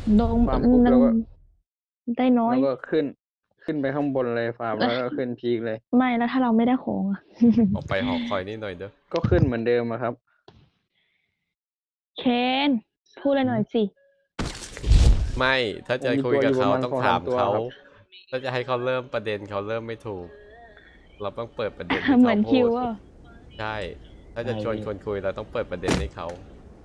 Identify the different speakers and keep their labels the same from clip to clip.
Speaker 1: ลง
Speaker 2: ฟาร์มปุ๊บ
Speaker 1: มัน
Speaker 2: แล้วก็
Speaker 1: ได้น้อย
Speaker 2: ขึ้นไปข้างบนเลยฟาร์มแล้วก็ขึ้นพีคเลย
Speaker 1: ไม่แล้วถ้าเราไม่ได้ของอะ
Speaker 3: ออกไปหอคอยนี่หน่อยเด้อ
Speaker 2: ก็ขึ้นเหมือนเดิมอะครับ
Speaker 1: เคนพูดอะไรหน่อยสิ
Speaker 3: ไม่ถ้า
Speaker 2: ผม
Speaker 3: จะ
Speaker 2: มีตัวอ
Speaker 3: คุยกับเขา
Speaker 2: ยู่ประมาณสอง
Speaker 3: ต้องถาม
Speaker 2: สามตัว
Speaker 3: เขา
Speaker 2: ครับ
Speaker 3: ถ้าจะให้เขาเริ่มประเด็นเขาเริ่มไม่ถูก เราต้องเปิดประเด็นให้
Speaker 1: เหมื
Speaker 3: เขา
Speaker 1: อนคิ
Speaker 3: พูด
Speaker 1: วอ่ะ
Speaker 3: ใช่ถ้าจะชวนคนคุยเราต้องเปิดประเด็นให้เขา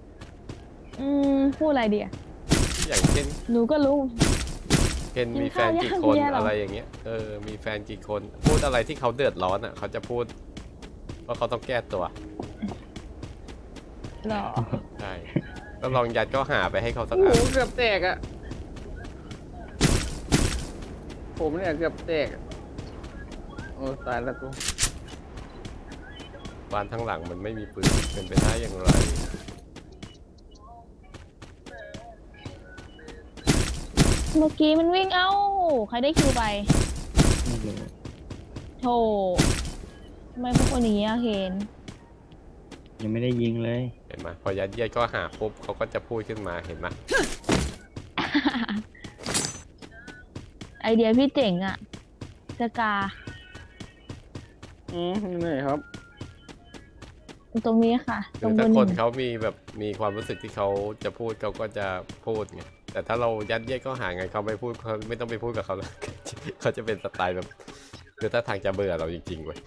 Speaker 1: พูดอะไรดีอะ
Speaker 3: อย่างเช่น
Speaker 1: หนูก็รู้
Speaker 3: เคนมีแฟนกี่คน
Speaker 1: กินข้าวยังเนี่ยเหรออ
Speaker 3: อะไรอย่างเงี้ยมีแฟนกี่คนพูดอะไรที่เขาเดือดร้อนอ่ะเขาจะพูดว่าเขาต้องแก้ตัว
Speaker 1: หรอ
Speaker 3: ใช่ก็ลองยัดก็หาไปให้เขาสัก
Speaker 2: โอ้
Speaker 3: อัน
Speaker 2: โหเกือบแตกอะผมเนี่ยเกือบแตกอะโอ้ตายแล้วกู
Speaker 3: บ้านทั้งหลังมันไม่มีปืนเป็นไปได้อย่างไร
Speaker 1: เมื่อกี้มันวิ่งเอ้าใครได้คิวไป
Speaker 4: ไม่รู้
Speaker 1: โธ่ทำไมพวกคนอย่างนี้อะเคน
Speaker 4: ยังไม่ได้ยิงเลย
Speaker 3: เห็นไหมพอยัดเยียดก็หาปุ๊บเขาก็จะพูดขึ้นมาเห็นไหม
Speaker 1: ไอเดียพี่เจ๋งอะสกา
Speaker 2: นี่ครับ
Speaker 1: ตรงนี้ค่ะต
Speaker 3: คือถ้า
Speaker 1: รงเบอร์หนึ่ง
Speaker 3: คนเขามีแบบมีความรู้สึกที่เขาจะพูดเขาก็จะพูดไงแต่ถ้าเรายัดเยียดก็หาไงเขาไม่พูดเขาไม่ต้องไปพูดกับเขาแล้ว เขาจะเป็นสไตล์แบบคือถ้าทางจะเบื่อเราจริงๆเว้ย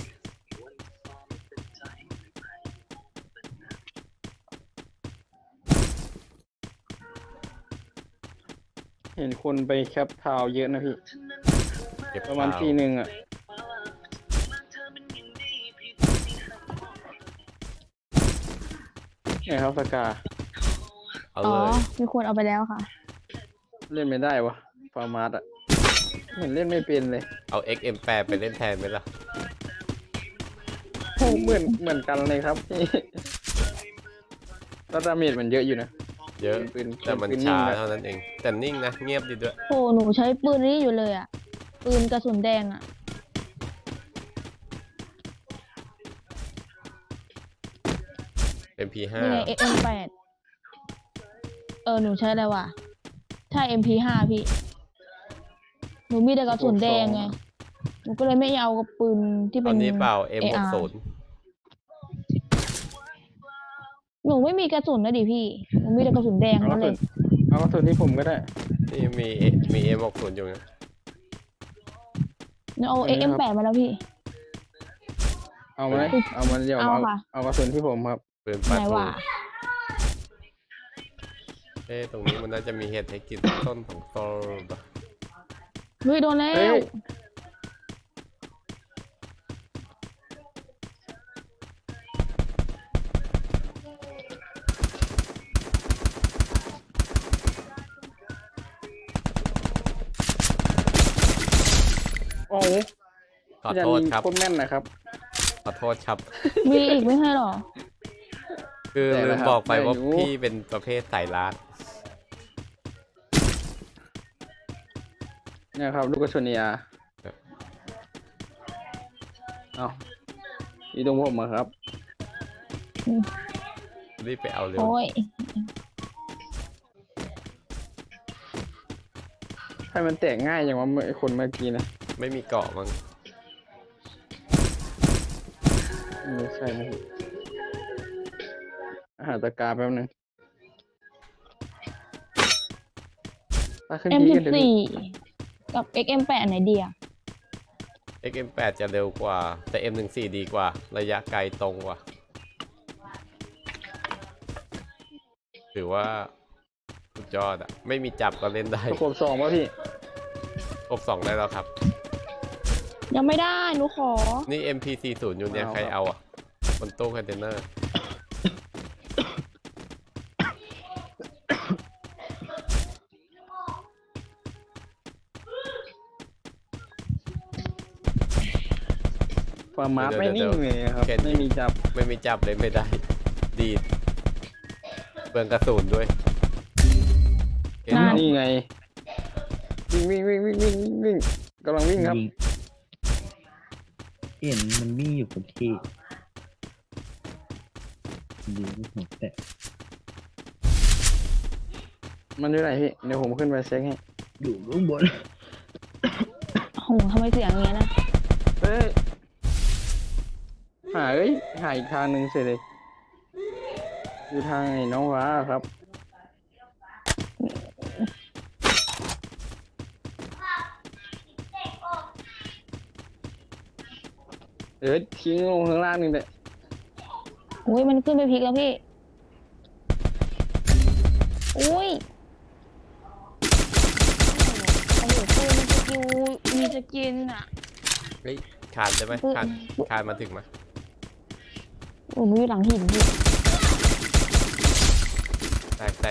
Speaker 2: เห็นคนไปแคปทาวน์เยอะนะพี่
Speaker 3: เก็บ
Speaker 2: ประมาณ
Speaker 3: ข่าว
Speaker 2: ทีหนึ่งอะเนี่ยครับสกา
Speaker 3: เอา
Speaker 1: อ๋อ
Speaker 3: เลย
Speaker 1: มีคนเอาไปแล้วค่ะ
Speaker 2: เล่นไม่ได้วะฟาร์มาร์อะเห็นเล่นไม่เป็นเลย
Speaker 3: เอา XM8 ไปเล่นแทนไหมล่ะ
Speaker 2: โอ้เหมือนกันเลยครับพี่แล้วดาเมจมันเยอะอยู่นะ
Speaker 3: เยอะ
Speaker 2: ปืน
Speaker 3: แต่มัน
Speaker 2: ปืนนิ่
Speaker 3: ช้าง
Speaker 2: นะ
Speaker 3: เท่านั้นเองแต่นิ่งนะเงียบดีด้วย
Speaker 1: โหหนูใช้ปืนนี้อยู่เลยอะปืนกระสุนแดงอะ
Speaker 3: MP5
Speaker 1: นี่ไง XM8 หนูใช้อะไรวะใช่ MP5 พี่หนูมีแต่กระสุนแดงไงหนูก็เลยไม่เอากับปืนที่
Speaker 3: ต
Speaker 1: เป็
Speaker 3: อน
Speaker 1: น
Speaker 3: นี้เปล่า
Speaker 1: AR
Speaker 3: M60
Speaker 1: หนูไม่มีกระสุนนะดิพี่หนูมีแต่กระสุนแดง
Speaker 2: เอาก
Speaker 1: นั่
Speaker 2: ระ
Speaker 1: นเล
Speaker 2: สุน
Speaker 1: ย
Speaker 2: เอากระสุนที่ผมก็ได้
Speaker 3: นี่มี M60 อยู่นะ
Speaker 1: หนูเอา
Speaker 2: อันนี้ครับ
Speaker 1: XM8 มาแล้วพี่
Speaker 2: เอาไหมเอามันเดี๋ยว
Speaker 1: เอาค่ะ
Speaker 2: เอากระสุนที่ผมครับ
Speaker 3: ปืนปา
Speaker 1: ไหน
Speaker 3: ทู
Speaker 1: วะ
Speaker 3: ตรงนี้มันน่าจะมีเห็ดให้กินต้นของโซลปะ
Speaker 1: เฮ้ยโดนแล้
Speaker 2: เฮ้
Speaker 1: วย
Speaker 2: โอ้โห
Speaker 3: ขอโทษครับ
Speaker 2: โคตรแม่นนะครับ
Speaker 3: ขอโทษครับ
Speaker 1: มีอีกไม่ใช่หรอ
Speaker 3: คือ
Speaker 2: แต่
Speaker 3: ลื
Speaker 2: ละ
Speaker 3: ม
Speaker 2: ครับ
Speaker 3: บอกไปว่า
Speaker 2: ไม่รู้
Speaker 3: พี่เป็นประเภทสายลัด
Speaker 2: เนี่ยครับลูกกระสุนยาเอาอีตรงผมอะครับ
Speaker 3: รีบไปเอาเร็ว
Speaker 1: โอ้ย
Speaker 2: ให้มันแตกง่ายอย่างว่าไอ้คนเมื่อกี้นะ
Speaker 3: ไม่มีเกาะมั้ง
Speaker 2: ไม่ใช่นะพี่หาตะกร้าแป๊บนึงตาขึ้นพีกันเดี๋ยว
Speaker 1: M14
Speaker 2: นี้
Speaker 1: กับ XM8 อันไหนดีอะ
Speaker 3: XM8 จะเร็วกว่าแต่ M14 ดีกว่าระยะไกลตรงกว่าถือว่าสุดยอดอะไม่มีจับก็เล่นได้
Speaker 2: ประกบสองป่ะพี่
Speaker 3: 62ได้แล้วครับ
Speaker 1: ยังไม่ได้หนูขอ
Speaker 3: นี่ MP40 อยู่เนี่ย
Speaker 2: เอา
Speaker 3: ใคร
Speaker 2: ครับ
Speaker 3: เอาอ่ะบนตู้คอนเทนเนอร์
Speaker 2: ฟาร์มาร์ไม่นิ่งเลยครับ ไม่มีจับ
Speaker 3: ไม่มีจับเลยไม่ได้ ดีดเปลืองกระสุนด้วยเห็น
Speaker 1: นั่
Speaker 3: ไหม
Speaker 1: น
Speaker 2: นี่ไง วิ่งกำลังวิ่งครับ
Speaker 4: ยิงเห็นมันวิ่งอยู่กับที่ดีไม่หัวแตะ
Speaker 2: มันอยู่ไหนพี่เดี๋ยวผมขึ้นไปเช็คให้
Speaker 4: อยู่ข้างบน
Speaker 1: โอ้โหทำไมเสียงอย่างเงี้ยนะ
Speaker 2: เฮ้ยหาอีกทางหนึ่งเสร็จเลยอยู่ทางไอ้น้องว้าครับเดี๋ยวทิ้งลงข้างล่างนึงเลย
Speaker 1: อุ้ยมันขึ้นไปพลิกแล้วพี่อุ้ยโอ้โหปืนมันสกิลมีสกินอ่ะ
Speaker 3: เฮ้ยคานได้ไหมคานมาถึงไหม
Speaker 1: โอ้ยมันอยู่หลังหินพี่
Speaker 3: แตก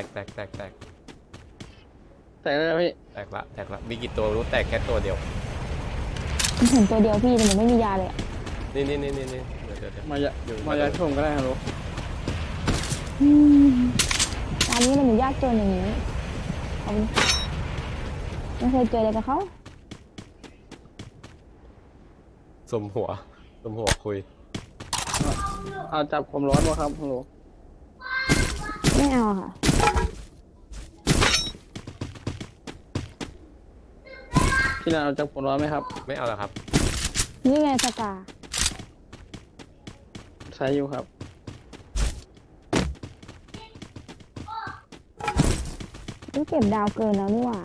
Speaker 2: แต่แล้วพี่
Speaker 3: แตกละมีกี่ตัวรู้แตกแค่ตัวเดียว
Speaker 1: มันเห็นตัวเดียวพี่แต่มันไม่มียาเลยอะ
Speaker 3: นี่เดี๋ยว
Speaker 2: มายาชมก็ได้ฮัลโหล
Speaker 1: ตอนนี้มันยากจนอย่างนี้เขาไม่เคยเจออะไรกับเขา
Speaker 3: สมหัวคุย
Speaker 2: เอาจับความร้อนมาครับฮัลโหล
Speaker 1: ไม่เอาค่ะ
Speaker 2: พี่นันเอาจับความร้อนไหมครับ
Speaker 3: ไม่เอาแล้วครับ
Speaker 1: นี่ไงสกา
Speaker 2: ใช้อยู่ครับ
Speaker 1: ต้องเก็บดาวเกินแล้วนี่หว่า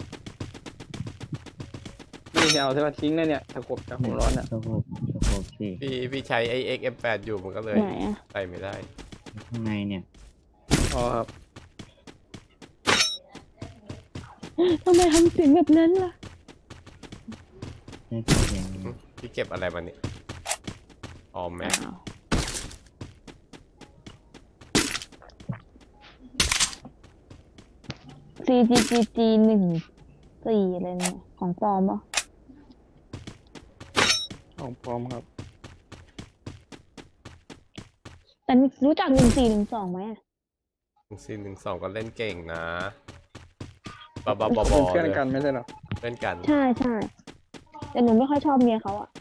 Speaker 2: นี่จะเอาใช่ไหมทิ้งได้เนี่ยตะกบจับความร้อนเนี่ย
Speaker 4: สะโพกสิ
Speaker 3: พี่ใช้ไอ้ XM8 อยู่มันก็เลย
Speaker 1: ไหนอะ
Speaker 3: ใส่ไม่ได้
Speaker 4: ข้างในเนี่ย
Speaker 2: อ๋อครับ
Speaker 1: ทำไมทำเสียงแบบนั้นล่ะ
Speaker 4: ได้ยินเสียงไหม
Speaker 3: พี่เก็บอะไรมาเนี่ยออมแม็ก
Speaker 1: อ้าว CGGG 14อะไรเนี่ยของปลอมปะ
Speaker 2: ของพร้อมครับ
Speaker 1: แต่รู้จัก1412ไหมอะ
Speaker 3: 1 4 1 2ก็เล่นเก่งนะบอ
Speaker 2: เป็นเพื่อน
Speaker 3: เลย
Speaker 2: กันไม่ใช่หรอ
Speaker 3: เล่นกัน
Speaker 1: ใช่ใช่แต่หนูไม่ค่อยชอบเมียเขาอะ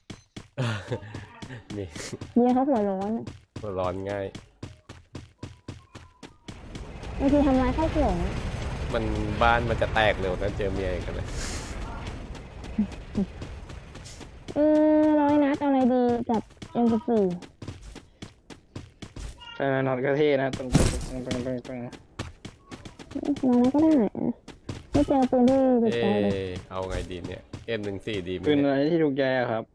Speaker 3: นี่
Speaker 1: เมียเขาหัวร้อนอะ
Speaker 3: หัวร้อนง่าย
Speaker 1: บางทีทำร้ายข้าวของอะ
Speaker 3: มันบ้านมันจะแตกเร็วนะเจอเมียอย่างกันเลย
Speaker 1: 100 นัดเอาอะไรดีกับ M14
Speaker 2: ใช่นอนกระเท่นะตรง
Speaker 1: น้อยนัดก็ได้อะไม่เจอปืนที่ติด
Speaker 3: เอ
Speaker 1: ใจเลย
Speaker 3: เอาไงดีเนี่ยM14ดีไหม
Speaker 2: ปืน
Speaker 3: เนี่ย
Speaker 2: อะไรที่ถูกใจอะครับ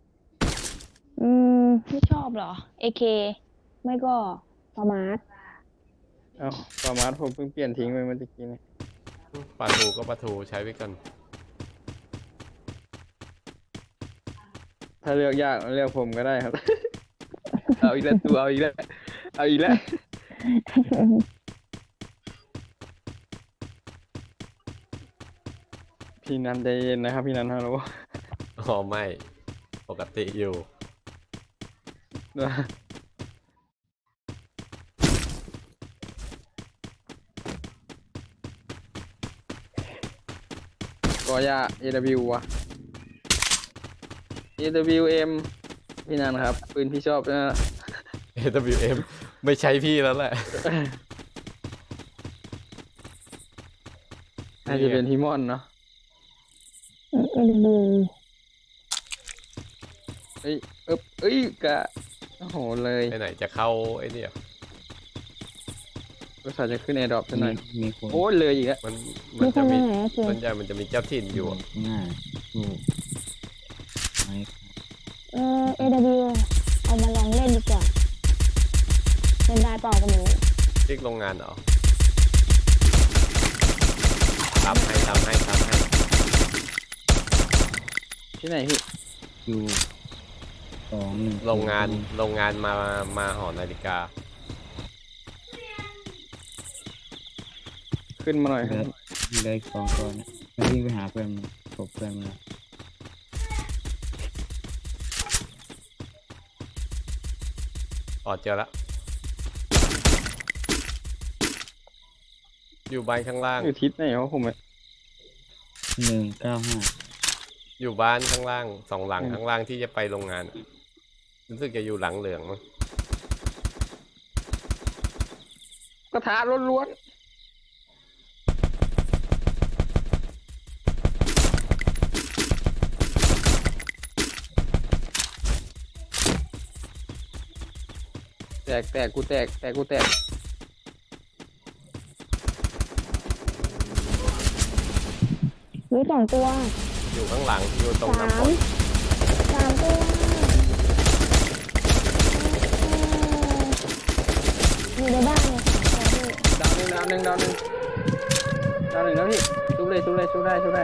Speaker 1: ไม่ชอบเหรอ AK ไม่ก็ประมาท
Speaker 2: เอาประมาณผมเพิ่งเปลี่ยนทิ้งไปเมื่อกี้นี่
Speaker 3: ปลาทูก็ปลาทูใช้ไปก่อน
Speaker 2: ถ้าเลือกยากเลือกผมก็ได้ครับ เอาอีกแล้วตัวเอาอีกแล้วเอาอีกแล้วพี่นันใจเย็นนะครับพี่นันฮัลโหล
Speaker 3: อ๋อไม่ปกติอยู่
Speaker 2: กอย่า AW ว่ะ AWM พี่นันครับปืนพี่ชอบนะ
Speaker 3: AWM ไม่ใช้พี่แล้วแหละ
Speaker 2: น่าจะเป็นทีมอนเนาะ
Speaker 1: ดู
Speaker 2: เอ้ยกะโอ้โหเลย
Speaker 3: ไปไหนจะเข้าไอ้เนี่ย
Speaker 2: ภาษาจะขึ้นแอร์ดรอปซะหน่อย
Speaker 4: มีคน
Speaker 2: โอ้ยเลยอีกแล้ว
Speaker 3: มัน
Speaker 1: มีค
Speaker 3: จะ
Speaker 1: นไป
Speaker 3: มี
Speaker 1: ไหนอะเสือ
Speaker 3: ส่วนใหญ่มันจะมีเจ้าถิ่นอยู่อะ
Speaker 4: ข้างหน้าถูกไหม
Speaker 1: AW เอามาลองเล่นดีกว่าเล่นได้เปล่าก็ไม่รู้
Speaker 3: ที่โรงงานเหรอทำให้
Speaker 2: ที่ไหนพี่
Speaker 4: อยู่21
Speaker 3: โรงงานมาหอนาฬิกา
Speaker 2: ขึ้นมาหน่อยครับ
Speaker 4: เลย2ตัวนะไม่วิ่งไปหาเพื่อนตบเพื่อนมาแล้ว
Speaker 3: อ๋อเจอละอยู่บ้านข้างล่าง
Speaker 2: อยู่ทิศไหนวะผมอะ
Speaker 4: 195
Speaker 3: อยู่บ้านข้างล่างสองหลังข้างล่างที่จะไปโรงงานอะรู้สึกจะอยู่หลังเหลืองมั้ง
Speaker 2: กระทะล้วนแตกกูแตกกูแตก
Speaker 1: หรือ2 ตัว
Speaker 3: อยู่ข้างหลังอยู่ตรง
Speaker 1: 3
Speaker 3: น้ำฝน
Speaker 1: 3 ตัวอยู่ในบ้านเนี่ย3 ตัวพี่
Speaker 2: ดาวหนึ่งแล้วพี่ชุบได้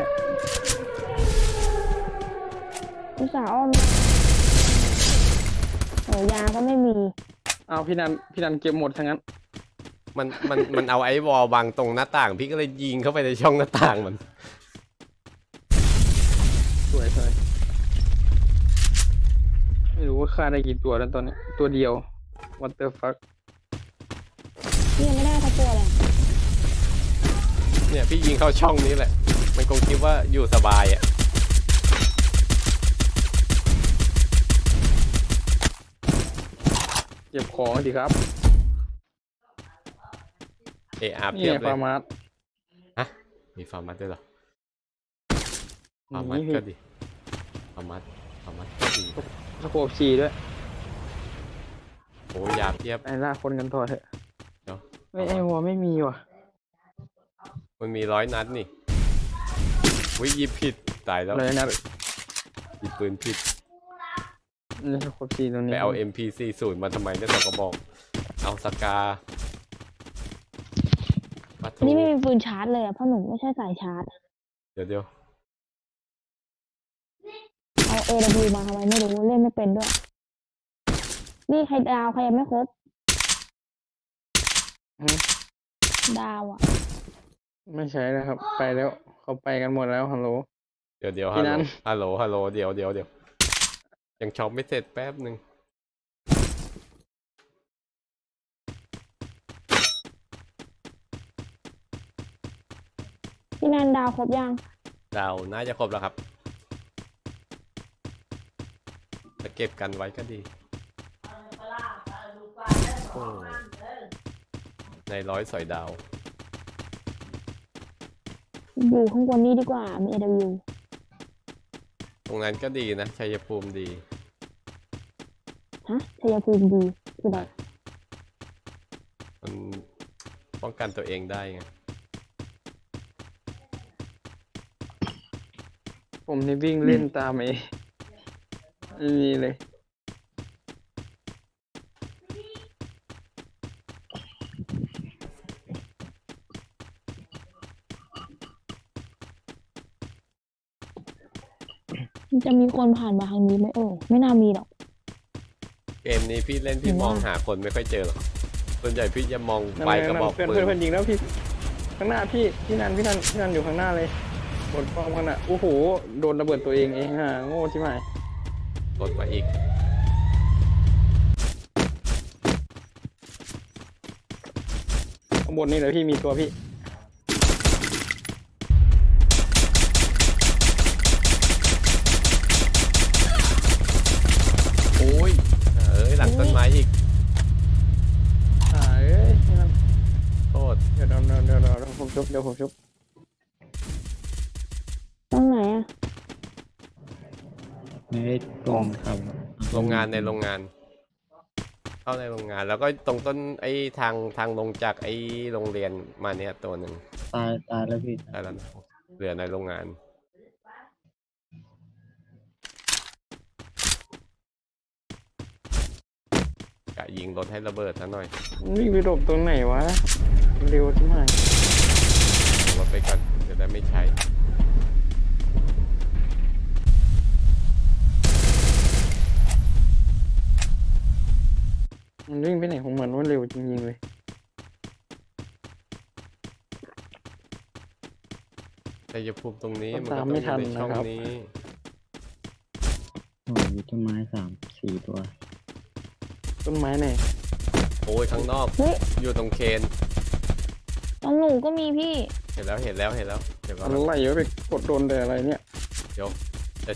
Speaker 1: อุตส่าห์อ้อมโอ้ยาก็ไม่มี
Speaker 2: เอาพี่นันเก็บหมดทั้งนั้น
Speaker 3: มันเอาไอ้วอลบังตรงหน้าต่าง พี่ก็เลยยิงเข้าไปในช่องหน้าต่างมัน
Speaker 2: สวยไม่รู้ว่าฆ่าได้กี่ตัวแล้วตอนนี้ตัวเดียว what the fuck
Speaker 1: นี่ยังไม่ได้สักตัวเลย
Speaker 3: เนี่ยพี่ยิงเข้าช่องนี้แหละ มันคงคิดว่าอยู่สบายอ่ะ
Speaker 2: เก็บของดีครับ
Speaker 3: เออาร์
Speaker 2: นี่
Speaker 3: เพียบ
Speaker 2: ไง
Speaker 3: เลย
Speaker 2: ฟาร์มาส
Speaker 3: ฮะมีฟาร์มัสด้วยเหรอฟาร์มัส
Speaker 2: นี่พี่
Speaker 3: ก็ดีฟาร์มัสก็ดี
Speaker 2: สโคป4ด้วย
Speaker 3: โอ้ยาเพียบ
Speaker 2: ไอ้ล่าคนกันต่อเถอะ
Speaker 3: เดี๋ยว
Speaker 2: ไม่ไอ้หัวไม่มีว่ะ
Speaker 3: มันมี100 นัดนี่วิยิบผิดตายแล้ว
Speaker 2: เลยนะ
Speaker 3: หยิบปืนผิด
Speaker 2: นี่สโคป4ตรง
Speaker 3: ไป
Speaker 2: นี้
Speaker 3: เอา MP40 มาทำไมได้สองกระบอกเอาสกาปั
Speaker 1: อันนี้ไม่มีปืนชาร์จเลยอ่ะเพราะหนูไม่ใช่สายชาร์จ
Speaker 3: เดี๋ยว
Speaker 1: เอา AW มาทำไมไม่รู้เล่นไม่เป็นด้วย นี่ใครดาวใครยังไม่ครบ ดาวอ่ะ
Speaker 2: ไม่ใช่นะครับ ไปแล้วเขาไปกันหมดแล้วฮัลโหล
Speaker 3: เดี๋ยว
Speaker 2: พี่นัน
Speaker 3: ฮัลโหลเดี๋ยวยังช็อปไม่เสร็จแป๊บหนึ่ง
Speaker 1: พี่นันดาวครบยัง
Speaker 3: ดาวน่าจะครบแล้วครับจะเก็บกันไว้ก็ดีโอ้ใน100 สอยดาว
Speaker 1: อยู่ข้างบนนี้ดีกว่ามี AW
Speaker 3: ตรงนั้นก็ดีนะชัยภูมิดี
Speaker 1: ฮะชัยภูมิดีคือแบบ
Speaker 3: มันป้องกันตัวเองได้ไง
Speaker 2: ผมนี่วิ่งเล่นตามนี่เลย
Speaker 1: มันจะมีคนผ่านมาทางนี้ไหมไม่น่ามีหรอก
Speaker 3: เกมนี้พี่เล่นพี่
Speaker 1: เห็น
Speaker 3: ม
Speaker 1: ว่า
Speaker 3: องหาคนไม่ค่อยเจอหรอกส่วนใหญ่พี่จะมอง
Speaker 2: นั่น
Speaker 3: ไป
Speaker 2: ไง
Speaker 3: กระบอก
Speaker 2: เพื่อน
Speaker 3: ปืน
Speaker 2: เพื่อนยิงแล้วพี่ข้างหน้าพี่นันอยู่ข้างหน้าเลยบนป้อมข้างหน้าโอ้โหโดนระเบิดตัวเองฮะโง่ที่ไหน
Speaker 3: กดมาอีก
Speaker 2: ข้างบนนี่เลยพี่มีตัวพี่
Speaker 3: โอ้ยหลังต้นไม้อีก
Speaker 2: เอ้ยพี่นัน
Speaker 3: โทษ
Speaker 2: เดี๋ยวผมชุบ
Speaker 1: ตรงไหนอ่ะ
Speaker 4: ไม่ได้ตรงครับ
Speaker 3: โรงงานในโรงงาน เข้าในโรงงาน แล้วก็ตรงต้นไอ้ทางลงจากไอ้โรงเรียนมาเนี่ยตัวหนึ่ง
Speaker 4: ตายแล้วพี่
Speaker 3: ได้แล้วนะเหลือในโรงงานกะยิงรถให้ระเบิดซะหน่อย
Speaker 2: วิ่งไปหลบตรงไหนวะเร็วที่ไหน
Speaker 3: รถไปก่อนจะได้ไม่ใช้
Speaker 2: มันวิ่งไปไหนของมันว่าเร็วจริงๆเลย
Speaker 3: แต่อย่าพูดตรงนี้
Speaker 2: ต้อง
Speaker 3: มันก็
Speaker 2: ตาม
Speaker 3: ต้อง
Speaker 2: ไม่
Speaker 3: อ
Speaker 2: ทัน
Speaker 3: ยู่ในช่อง
Speaker 2: นะครับ
Speaker 3: นี้
Speaker 4: โอ้ยมีต้นไม้3-4 ตัว
Speaker 2: ต้นไม้ไหน
Speaker 3: โอ้ยข้างนอก
Speaker 1: เฮ้ย
Speaker 3: อยู่ตรงเคน
Speaker 1: ตรงหนูก็มีพี่
Speaker 3: เห็นแล้วเดี๋ยวก็
Speaker 2: อะไรเยอะไปกดโดนแต่อะไรเนี่ย
Speaker 3: เดี๋ยวจะ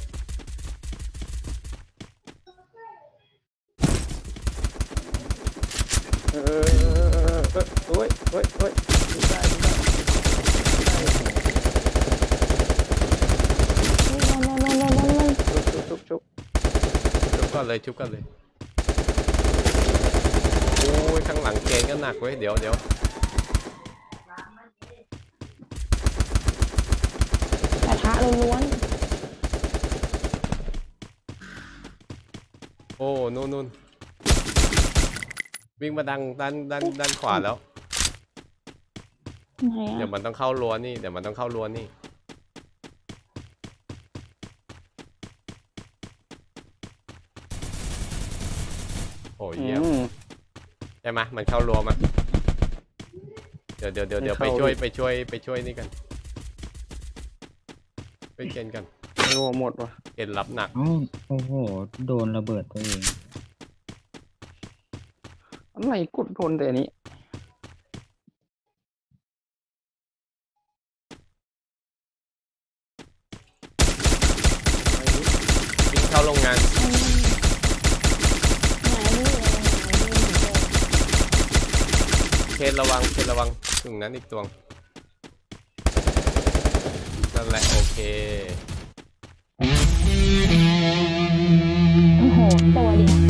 Speaker 2: โอ้ยได้ ชุบ
Speaker 3: ชุบก่อนเลยข้างหลังเกณฑ์ก็หนักเว้ยเดี๋ยว
Speaker 1: กระทะล้วน
Speaker 3: โอ้นู่นวิ่งมาด้านขวาแล้ว
Speaker 1: ๆไหน
Speaker 3: เดี๋ยว
Speaker 1: อะ
Speaker 3: มันต้องเข้ารั้วนี่เดี๋ยวมันต้องเข้ารั้วนี่โอ้ยเยี่ยม
Speaker 2: อืม
Speaker 3: ใช่ไหมมันเข้ารั้วมาเดี๋ยว
Speaker 2: ไม่
Speaker 3: ไป
Speaker 2: เข้า
Speaker 3: ช่วยนี่กันไปเกณฑ์กัน
Speaker 2: โอ้หมดว่ะ
Speaker 3: เกณฑ์รับหนัก
Speaker 4: เอ้าโอ้โหโดนระเบิดตัวเอง
Speaker 2: อะไรกดโดนแต่อันนี้
Speaker 3: วิ่งเข้าโรงงาน
Speaker 1: ไหนนี่
Speaker 3: เคนระวังถึงนั้นอีกตัวนั่นแหละโอเค
Speaker 1: โอ้โหตัวเดียว